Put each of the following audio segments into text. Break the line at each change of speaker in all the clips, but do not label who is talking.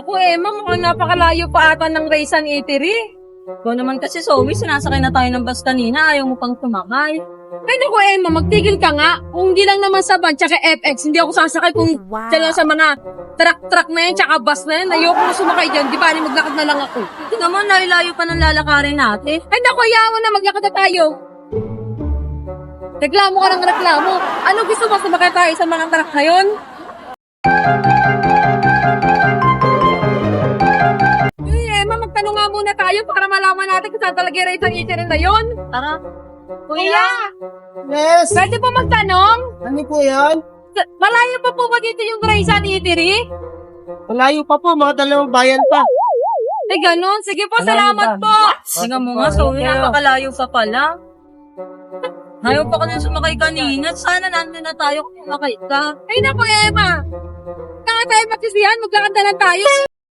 naku Emma, mukhang napakalayo pa ata ng Raisan Eatery.
Ikaw naman kasi, Zoe, sinasakay na tayo ng bus kanina. Ayaw mo pang sumakay.
Ay naku Emma, magtigil ka nga. Kung hindi lang naman sa van, tsaka FX, hindi ako sasakay kung dyan sa mga truck na yan, tsaka bus na yan. Ayoko na sumakay dyan, di ba? Maglakad na lang ako.
Hindi naman, layo pa ng lalakarin natin.
Ay naku, ayaw mo na, maglakad na tayo. Reklamo ka ng reklamo. Ano gusto mo, sumakay tayo sa mga truck na yun? Emma, magtanong nga muna tayo para malaman natin kung saan talaga yung Raisan Eatery na yun.
Tara.
Kuya,
Yes!
pwede po magtanong?
Ano po yan?
Malayo pa po ba dito yung Raisan Eatery?
Malayo pa po, mga dalawang bayan pa.
Ay, ganun. Sige po,
Malayo
salamat
ba?
po.
Tingnan mo nga, Zoe, napakalayo pa pala. Ayaw pa ka na sumakay kanina. Sana nandun na tayo kung sumakay ka.
Ay, naku, Emma. Kaya tayo magsisihan, maglakad na lang tayo.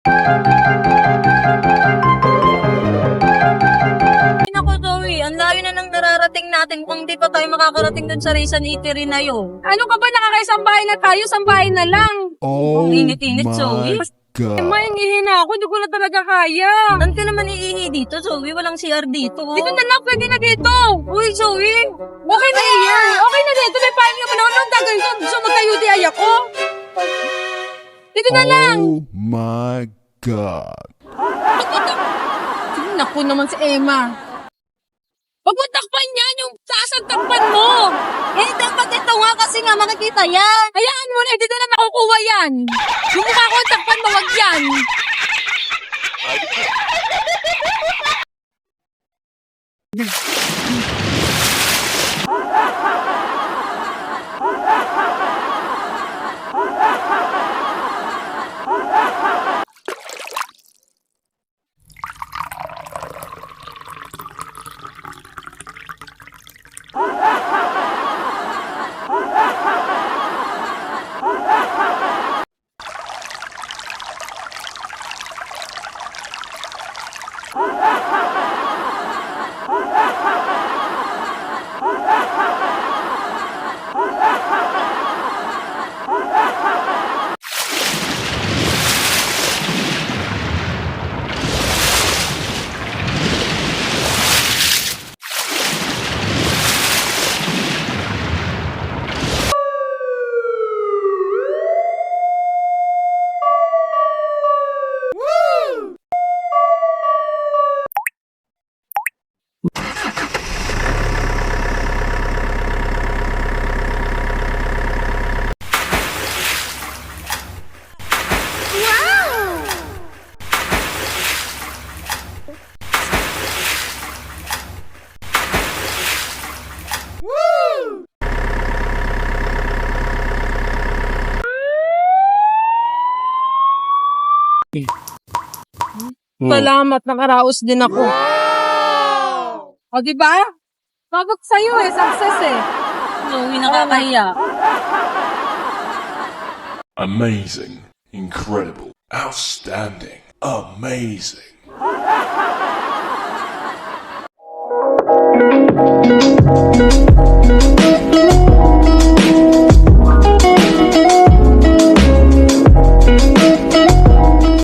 Ay, naku, Zoe, ang layo na nang nararating natin kung di pa tayo makakarating dun sa Raisan Eatery na yun.
Ano ka ba, nakakaisang bahay na tayo, sambahay na lang.
Oh
Ang init-init, Zoe.
Emma,
God.
hingihin na ako, hindi ko na talaga kaya.
Saan ka naman iihi dito, Zoe? Walang CR dito.
Dito na lang, pwede na dito.
Uy, Zoe!
Okay na yan. Okay na dito, may pahinga pa naman. Anong gagawin ko? Gusto magka-UTI ako? Dito na lang.
Oh my God.
Naku naman si Emma. Huwag mo takpan yan, yung taas ang takpan mo.
Eh, dapat ito nga kasi nga makikita yan.
Hayaan mo na, hindi na makukuha yan. Yung mukha ko ang takpan mo, wag yan. Salamat, nakaraos din ako. O, diba? Babag sa'yo success
Zoe, nakakahiya.
Amazing, incredible, outstanding, amazing.